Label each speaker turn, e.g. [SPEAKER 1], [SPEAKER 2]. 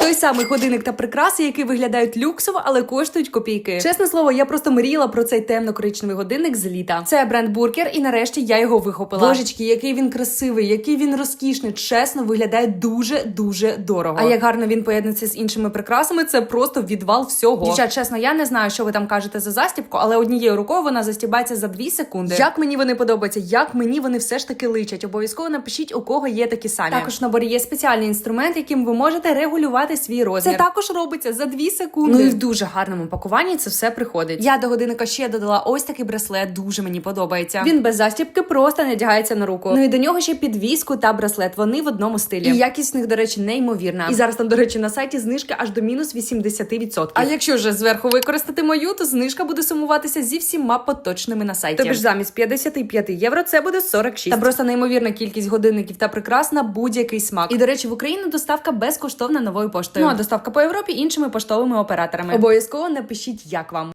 [SPEAKER 1] Той самий годинник та прикраси, які виглядають люксово, але коштують копійки. Чесне слово, я просто мріяла про цей темно-коричневий годинник з літа. Це бренд Буркер, і нарешті я його вихопила. Божечки, який він красивий, який він розкішний. Чесно, виглядає дуже дорого. А як гарно він поєднується з іншими прикрасами, це просто відвал всього. Дівчат, чесно, я не знаю, що ви там кажете за застібку, але однією рукою вона застібається за 2 секунди. Як мені вони подобаються, як мені вони все ж таки личать. Обов'язково напишіть, у кого є такі самі. Також в наборі є спеціальний інструмент, яким ви можете регулювати свій розмір. Це також робиться за 2 секунди. Ну і в дуже гарному пакуванні це все приходить. Я до годинника ще додала ось такий браслет, дуже мені подобається. Він без застібки просто надягається на руку. Ну і до нього ще підвіску та браслет. Вони в одному стилі. І якість в них, до речі, неймовірна. І зараз там, до речі, на сайті знижки аж до мінус 80%. А якщо вже зверху використати мою, то знижка буде сумуватися зі всіма поточними на сайті. Тобто замість 55 євро це буде 46. Та просто неймовірна кількість годинників та прикрас на будь-який смак. І, до речі, в Україну доставка безкоштовна новою поштою. Ну а доставка по Європі іншими поштовими операторами. Обов'язково напишіть, як вам.